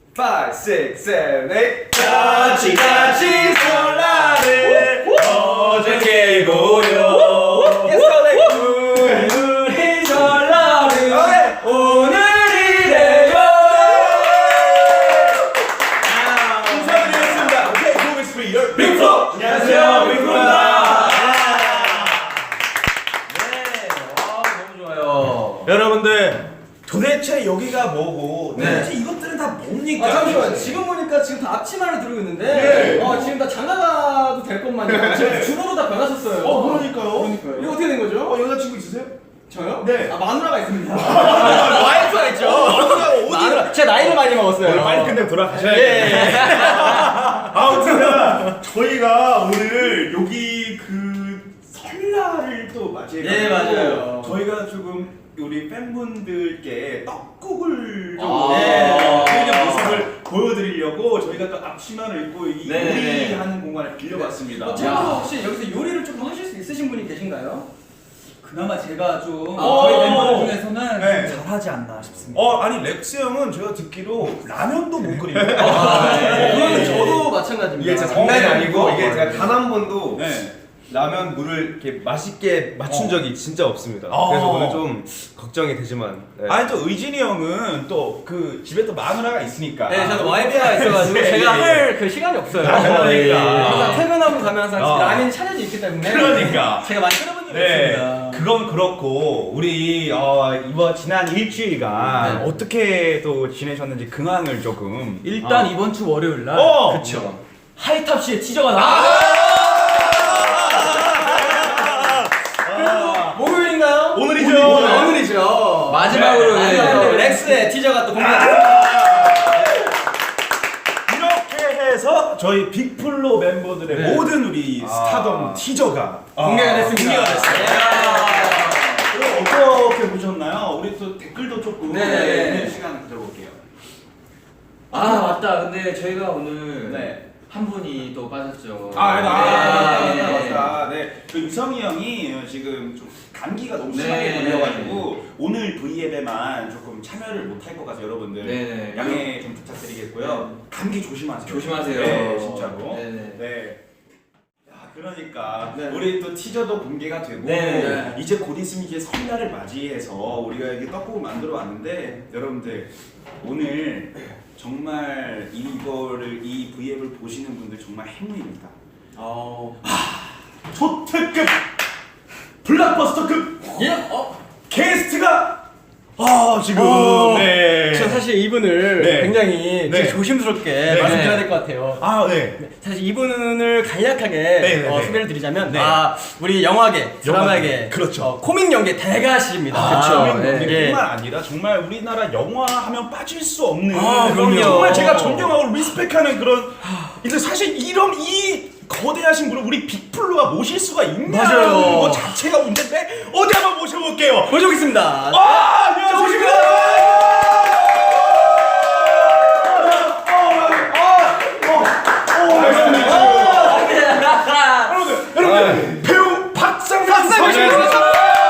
5, 6, 7, 8 같이 설날을 어제 깨고요. 우리 설날은 오늘이래요. 인사드리겠습니다. 오케이, 고백 스프리 열 빅프로. 안녕하세요, 빅프로입니다. 너무 좋아요. 여러분들 도대체 여기가 뭐고 네. 도대체 이것들은 다 뭡니까? 아 잠시만, 지금 보니까 지금 다 앞치마를 들고 있는데 네. 지금 다 장가가도 될 것만요. 지금 준호로 다 변하셨어요. 그러니까요. 이거 어떻게 된 거죠? 여자친구 있으세요? 저요? 네. 아 마누라가 있습니다. 와이프가 있죠. 마누라, 제 나이를 많이 먹었어요. 빨리 끝내고 돌아가셔야 예, 돼요. 예. 아무튼 저희가 오늘 여기 그 설날을 또 맞이해가지고 예, 맞아요. 저희가 조금 우리 팬분들께 떡국을 좀 네. 드리는 모습을 보여드리려고 저희가 또 앞치마를 입고 이 네. 요리하는 공간을 빌려봤습니다. 챔버도 혹시 여기서 요리를 조금 하실 수 있으신 분이 계신가요? 그나마 제가 좀 어. 저희 멤버들 중에서는 네. 좀 잘하지 않나 싶습니다. 아니 렉스 형은 제가 듣기로 라면도 못 끓여요. 그러면 저도 마찬가지입니다. 이게 진짜 장난이 아니고 이게 제가 네. 단 한 번도 네. 라면 물을 이렇게 맛있게 맞춘 적이 진짜 없습니다. 어. 그래서 오늘 좀 걱정이 되지만. 네. 아니 또 의진이 형은 또 그 집에 또 마누라가 있으니까. 네, 저도 와이프가 있어가지고 예, 제가 예. 할 그 시간이 없어요. 그러니까. 예. 항상 퇴근하고 가면 항상 어. 라면이 차려져 있기 때문에 그러니까. 제가 많이 끓여본 적이 네, 없습니다. 그건 그렇고 우리 이번 지난 일주일간 네. 어떻게 또 지내셨는지 근황을 조금. 일단 이번 주 월요일 날 그쵸. 하이탑 씨의 티저가 나왔어요. 목요일인가요? 오늘이죠. 오늘이죠. 마지막으로, 네. 네. 마지막으로 렉스의 티저가 또 공개가 됐습니다. 이렇게 해서 저희 빅플로 멤버들의 네. 모든 우리 스타덤 티저가 공개가 됐습니다. 공개가 됐어요. 예. 어떻게 보셨나요? 우리 또 댓글도 조금 네. 읽는 시간을 가져볼게요. 아 맞다. 근데 저희가 오늘 네. 한 분이 또 빠졌죠. 맞다. 네. 그 유성이 형이 지금 좀 감기가 너무 심하게 네. 걸려가지고 오늘 V앱에만 조금 참여를 못할 것 같아서 여러분들 네. 양해 좀 부탁드리겠고요. 감기 조심하세요. 조심하세요. 네, 진짜로. 네. 네. 야, 그러니까 네. 우리 또 티저도 공개가 되고 네. 이제 곧 있으면 이제 설날을 맞이해서 우리가 이게 떡국을 만들어 왔는데 여러분들 오늘 정말 이거를 이 V앱을 보시는 분들 정말 행운입니다. 초특급 블록버스터급 예? 게스트가 지금 네. 저 사실 이분을 네. 굉장히 네. 조심스럽게 네. 말씀드려야 될 것 같아요. 네. 사실 이분을 간략하게 네. 소개를 드리자면 네. 우리 영화계, 드라마계, 그렇죠. 코믹 연계 대가십니다. 그렇죠. 예. 뿐만 아니라 정말 우리나라 영화 하면 빠질 수 없는 그럼요. 정말 제가 존경하고 리스펙하는 그런 근데 사실 이런 이 거대하신 분을 우리 빅플로가 모실 수가 있냐는 맞아요. 것 자체가 문제인데 어디 한번 모셔볼게요. 모셔보겠습니다. 안녕하십니까. 여러분 배우 박상민 선수.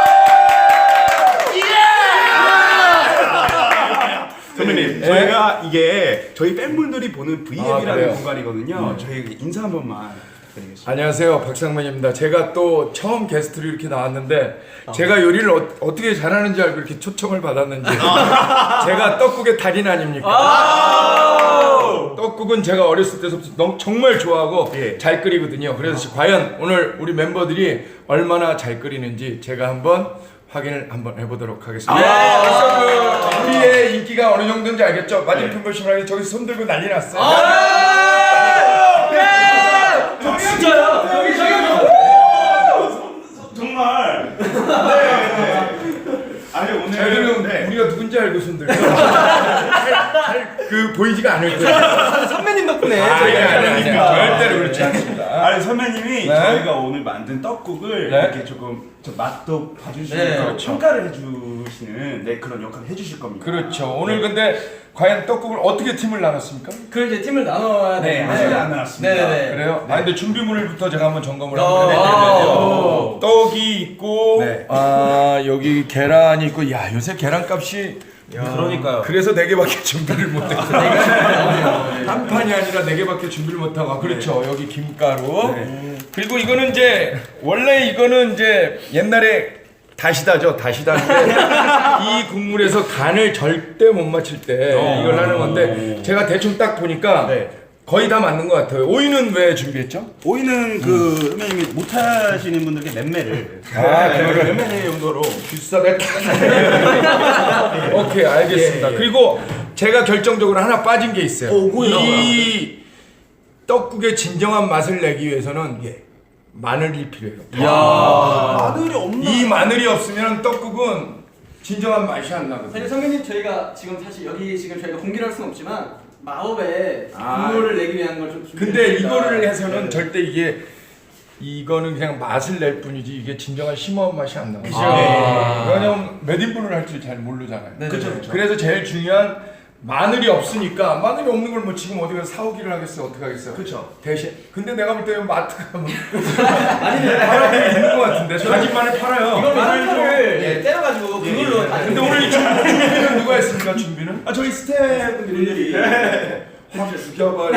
선배님, 저희가 이게 저희 팬분들이 보는 V앱이라는 그래요? 공간이거든요. 저희 인사 한 번만 드리겠습니다. 안녕하세요, 박상만입니다. 제가 또 처음 게스트로 이렇게 나왔는데 제가 요리를 어떻게 잘하는지 알고 이렇게 초청을 받았는지 제가 떡국의 달인 아닙니까? 떡국은 제가 어렸을 때부터 정말 좋아하고 예. 잘 끓이거든요. 그래서 과연 오늘 우리 멤버들이 얼마나 잘 끓이는지 제가 한번 확인을 한번 해보도록 하겠습니다. 벌써 우리의 인기가 어느 정도인지 알겠죠? 맞은편 보시면 저기 손 들고 난리 났어요. 진짜요? 정말. 네. 아니 오늘 저희들은 우리가 누군지 알고 손 들고 그 보이지가 않을 거예요. 선배님 덕분에 아닙니다. 절대로 그렇지 않습니다. 아니 선배님이 네. 저희가 오늘 만든 떡국을 네. 이렇게 조금 저 맛도 봐주시면서 네, 그렇죠. 평가를 해주시는 그런 역할을 해주실 겁니다. 그렇죠. 오늘 근데 과연 떡국을 어떻게 팀을 나눴습니까? 그 이제 팀을 나눠야 네, 되는데 아직 안 나왔습니다. 네네. 그래요? 네. 근데 준비물부터 제가 한번 점검을 어. 한번 해드리면요. 오. 떡이 있고, 네. 여기 계란이 있고, 야 요새 계란값이 그러니까요. 그래서 4개밖에 준비를 못했어요. 한 판이 아니라 4개밖에 준비를 못하고. 그렇죠. 여기 김가루. 그리고 이거는 이제 원래 이거는 이제 옛날에 다시다죠. 다시다인데 이 국물에서 간을 절대 못 맞출 때 이걸 하는 건데 제가 대충 딱 보니까 거의 다 맞는 것 같아요. 오이는 왜 준비했죠? 오이는 그 선배님이 못하시는 분들께 맴매를 그거를 맴매 용도로 비싸게. 오케이, 알겠습니다. 그리고 제가 결정적으로 하나 빠진 게 있어요. 이 떡국의 진정한 맛을 내기 위해서는 마늘이 필요해요. 마늘이 없나? 이 마늘이 없으면 떡국은 진정한 맛이 안 나거든요. 사실 선배님 저희가 지금 사실 여기 지금 저희가 공개를 할 수는 없지만 마법의 국물을 내기 위한 걸 좀 근데 이거를 해서는 절대 이거는 그냥 맛을 낼 뿐이지 이게 진정한 심오한 맛이 안 나요. 왜냐면 몇 인분을 할 줄 잘 모르잖아요. 그렇죠. 그래서 제일 중요한 마늘이 없으니까 마늘이 없는 걸 뭐 지금 어디 가서 사오기를 하겠어요? 어떻게 하겠어요? 그렇죠. 대신 근데 내가 볼 때는 마트 가면 팔아보고 있는 것 같은데 다진 마늘 팔아요. 이걸 마늘을 때려가지고 그걸로 다 근데 오늘 이 준비는 누가 했습니까? 준비는? 저희 스태프분들이 확 죽여버려.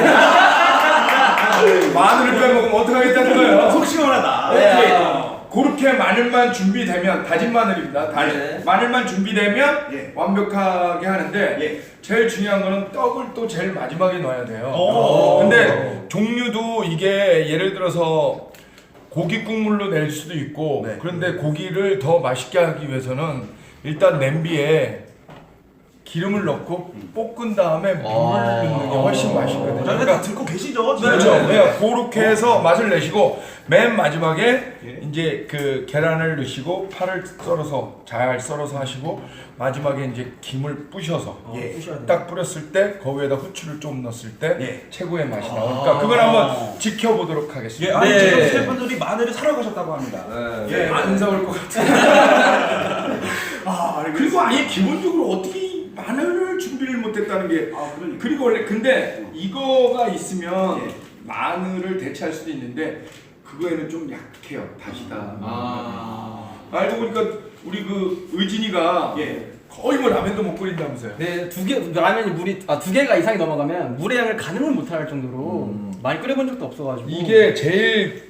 마늘을 빼먹으면 어떡하겠다는 거예요? 속 시원하다. 그렇게 마늘만 준비되면 다진 마늘입니다. 마늘만 준비되면 완벽하게 하는데 제일 중요한 거는 떡을 또 제일 마지막에 넣어야 돼요. 근데 종류도 이게 예를 들어서 고기 국물로 낼 수도 있고 그런데 고기를 더 맛있게 하기 위해서는 일단 냄비에 기름을 넣고 볶은 다음에 물을 넣는 게 훨씬 맛있거든요. 그러니까 듣고 계시죠? 그렇죠. 그렇게 해서 맛을 내시고 맨 마지막에 이제 그 계란을 넣으시고 파를 썰어서 잘 썰어서 하시고 마지막에 이제 김을 부셔서 딱 뿌렸을 때 그 위에다 후추를 좀 넣었을 때 최고의 맛이 나오니까 그걸 한번 지켜보도록 하겠습니다. 아니 지금 스태프분들이 마늘을 사러 가셨다고 합니다. 안 사올 것 같아요. 그리고 아예 기본적으로 어떻게 마늘을 준비를 못했다는 게 그러니까. 그리고 원래 근데 이거가 있으면 마늘을 대체할 수도 있는데 그거에는 좀 약해요. 다시다. 알고 보니까 우리 그 의진이가 거의 뭐 라면도 못 끓인다면서요. 네, 라면이 물이 2개가 이상이 넘어가면 물의 양을 가늠을 못할 정도로 많이 끓여본 적도 없어가지고 이게 제일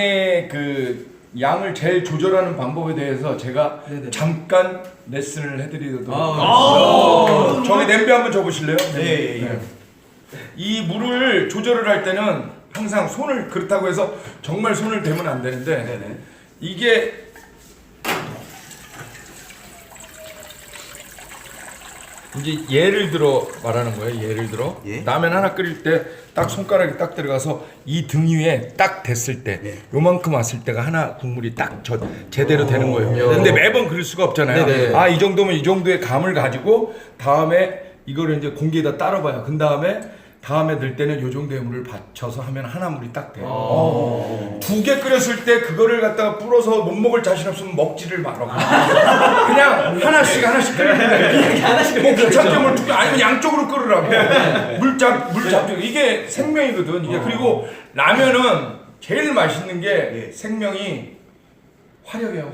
양을 제일 조절하는 방법에 대해서 제가 잠깐 레슨을 해드리도록 하겠습니다. 저기 냄비 한번 줘보실래요? 이 물을 조절을 할 때는 항상 손을 그렇다고 해서 정말 손을 대면 안 되는데 이게 이제 예를 들어 말하는 거예요. 예를 들어 라면 하나 끓일 때 딱 손가락이 딱 들어가서 이 등 위에 딱 됐을 때 요만큼 왔을 때가 하나 국물이 딱 제대로 되는 거예요. 근데 매번 그럴 수가 없잖아요. 이 정도면 이 정도의 감을 가지고 다음에 이거를 이제 공기에다 따라봐요. 그 다음에 넣을 때는 요 정도의 물을 받쳐서 하면 하나 물이 딱 돼요. 2개 끓였을 때 그거를 갖다가 불어서 못 먹을 자신 없으면 먹지를 말아. 그냥 하나씩 끓이면 뭐 귀찮게 물 2개 아니면 양쪽으로 끓으라고. 물 잡죠. 이게 생명이거든. 이게 그리고 라면은 제일 맛있는 게 생명이 화력이에요.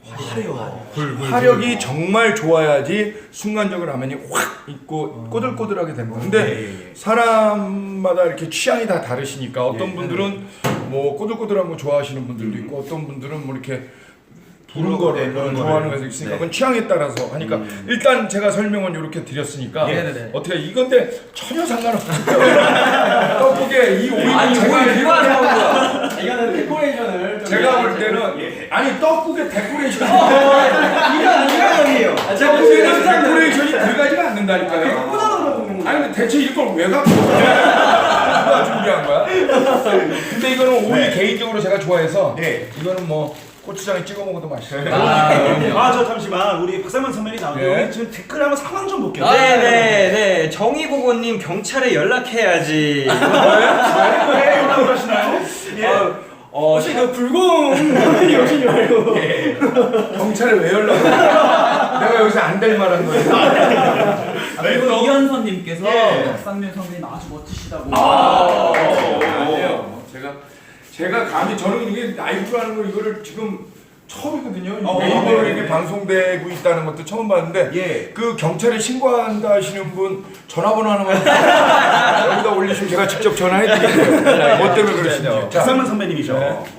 화력이 정말 좋아야지 순간적으로 라면이 확 있고 꼬들꼬들하게 되는 거예요. 근데 사람마다 이렇게 취향이 다 다르시니까 어떤 분들은 뭐 꼬들꼬들한 거 좋아하시는 분들도 있고 어떤 분들은 뭐 이렇게 부른 거를 좋아하는 것도 있으니까 그건 취향에 따라서 하니까 일단 제가 설명은 이렇게 드렸으니까 어떻게 이건데 전혀 상관없어요. 떡국에 이 오이는 이거는 데코레이션을 제가 볼 때는 아니 떡국에 데코레이션이 이거예요. 떡국에는 데코레이션이 들어가지가 않는다니까요. 아니 근데 대체 이걸 왜 갖고 누가 준비한 거야? 근데 이거는 오이 개인적으로 제가 좋아해서 이거는 뭐 고추장에 찍어 먹어도 맛있어요. 저 잠시만 우리 박상만 선배님 나오는데 여기 지금 댓글 한번 상황 좀 볼게요. 네네네. 정의보고님 경찰에 연락해야지. 왜 연락을 하시나요? 혹시 그 불공 선배님 오신 줄 알고 경찰에 왜 연락을 해? 내가 여기서 안 될 말한 거예요. 그리고 이현선님께서 박상민 선배님 아주 멋지시다고. 아니에요. 제가 감히 저는 이게 라이브로 하는 걸 이거를 지금 처음이거든요. 네이버로 이렇게 방송되고 있다는 것도 처음 봤는데 예. 그 경찰에 신고한다 하시는 분 전화번호 하나만 여기다 올리시면 제가 직접 전화해드릴게요. 뭐 때문에 그러시는지. 자, 박상만 선배님이죠.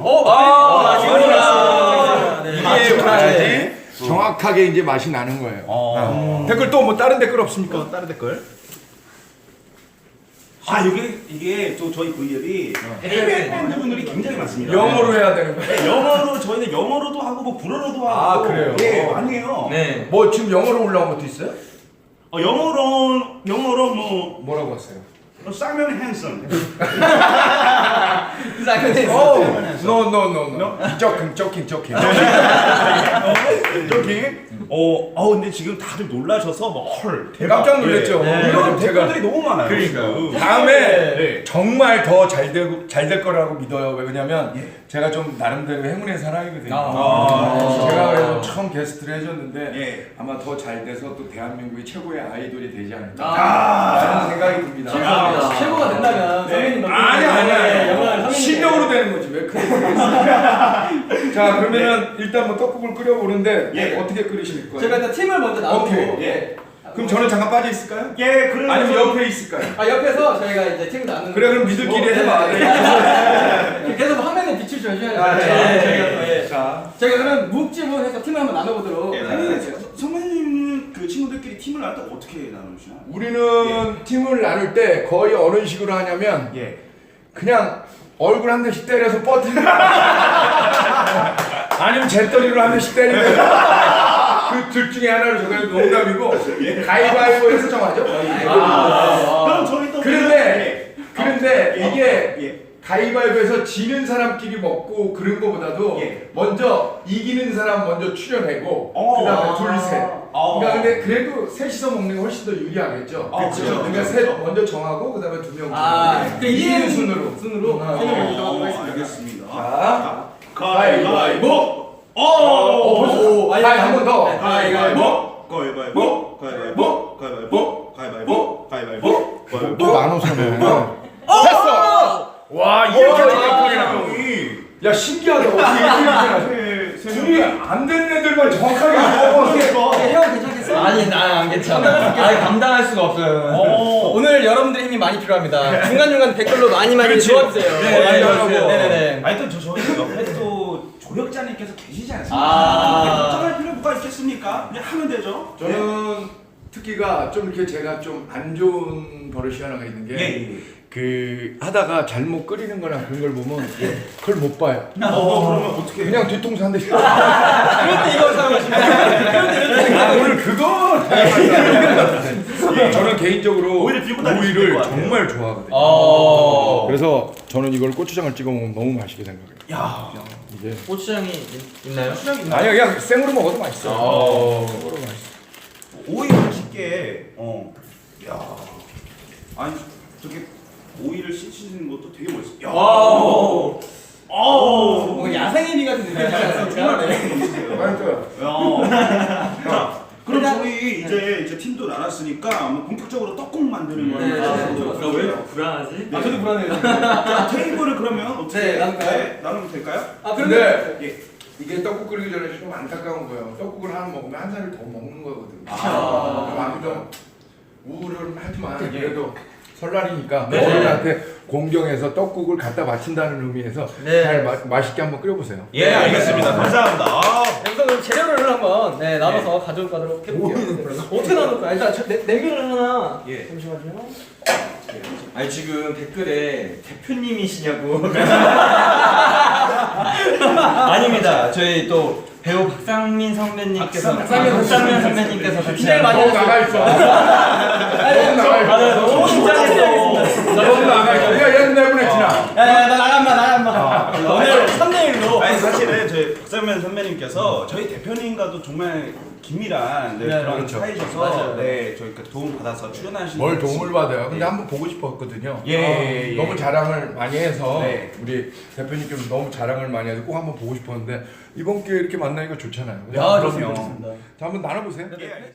이게 정확하게 이제 맛이 나는 거예요. 댓글 또 뭐 다른 댓글 없습니까? 다른 댓글. 아 이게 또 저희 V앱이 해외 팬분들이 굉장히 많습니다. 영어로 해야 되는 거예요. 네, 영어로 저희는 영어로도 하고 뭐 불어로도 하고. 아, 그래요? 예, 많이 해요. 네. 뭐 지금 영어로 올라온 것도 있어요? 영어로 뭐 뭐라고 했어요? 쌍면 핸섬. No. joking. 저기 근데 지금 다들 놀라셔서 뭐 헐 대박. 깜짝 놀랐죠. 네. 네. 이런 제가 댓글들이 너무 많아요. 그러니까요. 다음에 네. 정말 더 잘 될 거라고 믿어요. 왜냐면 제가 좀 나름대로 행운의 사람이거든요. 제가 그래서 처음 게스트를 해줬는데 예. 아마 더 잘 돼서 또 대한민국의 최고의 아이돌이 되지 않을까 라는 생각이 듭니다. 최고가 된다면 선배님 아니 실력으로 되는 거지 왜 그래? 자 그러면은 일단 뭐 떡국을 끓여보는데 예. 어떻게 끓이실 거예요? 제가 일단 팀을 먼저 나누고 오케이. 예. 그럼 저는 잠깐 빠져 있을까요? 예, 그러면 아니면 옆에 있을까요? 옆에서 저희가 이제 팀을 나누는 그래 그럼 니들끼리 해봐. 계속 화면에 빛을 줘야죠. 저희가 그럼 묵집을 해서 팀을 한번 나눠보도록 하겠습니다. 선배님 그 친구들끼리 팀을 나눌 때 어떻게 나누시나요? 우리는 팀을 나눌 때 거의 어느 식으로 하냐면 예. 그냥 얼굴 한 대씩 때려서 버티는 아니면 재떨이로 한 대씩 때리는 그 둘 중에 하나를 저게 농담이고 가위바위보에서 정하죠. 그럼 저희 또 그런데 이게 예. 가위바위보에서 지는 사람끼리 먹고 그런 거보다도 예. 먼저 이기는 사람 먼저 추려내고 그다음에 둘 셋. 그러니까 근데 그래도 셋이서 먹는 게 훨씬 더 유리하겠죠. 그렇죠. 그러니까 셋 먼저 정하고 그다음에 두 명. 그 이기는 이기는 순으로. 세 명을 정하도록 하겠습니다. 알겠습니다. 자, 가위바위보. 한 번 더. 가위바위보. 가위바위보. 가위바위보. 가위바위보. 가위바위보. 가위바위보. 또 나눠서네. 됐어. 와 이렇게 정확하게 나와. 야 신기하다. 어떻게 이렇게 나와? 둘이 안 되는 애들만 정확하게 나와. 형 괜찮겠어? 아니 난 안 괜찮아. 아니 감당할 수가 없어요. 오늘 여러분들의 힘이 많이 필요합니다. 중간중간 댓글로 많이 그렇지. 도와주세요. 네, 많이 도와주세요. 도와주세요. 네네네. 아니 또 저희 옆에 또 조력자님께서 계시지 않습니까? 걱정할 필요 뭐가 있겠습니까? 그냥 하면 되죠. 저는 특기가 좀 이렇게 제가 좀 안 좋은 버릇이 하나가 있는 게 그 하다가 잘못 끓이는 거나 그런 걸 보면 그걸 못 봐요. 그러면 어떻게? 그냥 뒤통수 한 대씩. 그럴 때 이걸 사용하시면 오늘 그거. 저는 개인적으로 오이를 들고 다니시면 될것 오이를 같아요. 정말 좋아하거든요. 그래서 저는 이걸 고추장을 찍어 먹으면 너무 맛있게 생각해요. 야. 이게 고추장이 있나요? 아니 그냥 생으로 먹어도 맛있어. 생으로 맛있어. 오이 맛있게. 야. 아니 저렇게 오이를 씻는 것도 되게 멋있어. 야. 뭔가 야생의미 같은 느낌이지 않습니까? 맛있어요. 자, 그럼 저희 이제 팀도 나눴으니까 한번 본격적으로 떡국 만드는 걸 한번 해보도록 왜 할게요. 불안하지? 저도 불안해요. 자, 테이블을 그러면 어떻게 네, 나눌까요? 나누면 될까요? 근데 예. 이게 떡국 끓이기 전에 좀 안타까운 거예요. 떡국을 하나 먹으면 한 살을 더 먹는 거거든요. 그럼 아무도 우울은 하지만 그래도 설날이니까 어른한테 공경해서 떡국을 갖다 바친다는 의미에서 잘 맛있게 한번 끓여보세요. 예, 알겠습니다. 감사합니다. 여기서 그럼 재료를 한번 나눠서 가져가도록 해볼게요. 어떻게 나눌까요? 일단 네 개를 하나. 잠시만요. 아니 지금 댓글에 대표님이시냐고. 아닙니다. 저희 또 배우 박상민 선배님께서 박상민 선배님께서 같이 기대를 많이 너무 나가 있어. 너무 나가 있어. 너무 긴장했어. 너무 나가 있어. 야 얘는 내보냈지나. 나 나간다. 오늘 3대1로. 아니 사실은 저희 박상면 선배님께서 저희 대표님과도 정말 긴밀한 그런 그렇죠. 사이셔서 맞아요. 저희 도움 받아서 출연하시는 뭘 도움을 받아요. 근데 한번 보고 싶었거든요. 예. 너무 자랑을 많이 해서 네. 우리 대표님께서 너무 자랑을 많이 해서 꼭 한번 보고 싶었는데 이번 기회에 이렇게 만나니까 좋잖아요. 야, 그럼요. 좋습니다. 자 한번 나눠보세요. 예.